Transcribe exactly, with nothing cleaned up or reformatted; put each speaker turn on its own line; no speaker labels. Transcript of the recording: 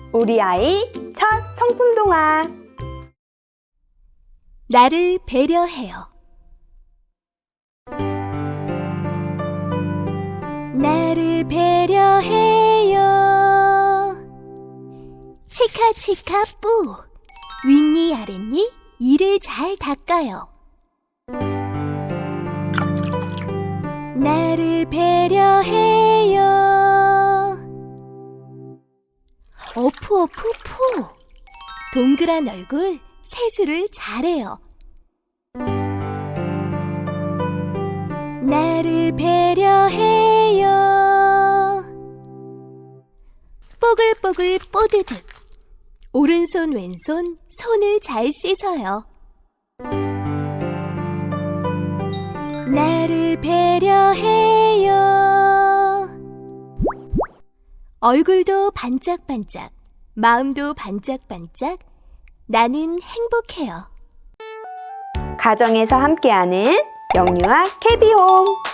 우리 아이 첫 성품 동화.
나를 배려해요. 나를 배려해요. 치카치카 뿌. 윗니 아랫니 이를 잘 닦아요. 나를 배려해요. 어프 어프 푸. 동그란 얼굴 세수를 잘해요. 나를 배려해요. 뽀글뽀글 뽀드득. 오른손 왼손 손을 잘 씻어요. 나를 배려해요. 얼굴도 반짝반짝, 마음도 반짝반짝, 나는 행복해요.
가정에서 함께하는 영유아 캐비홈.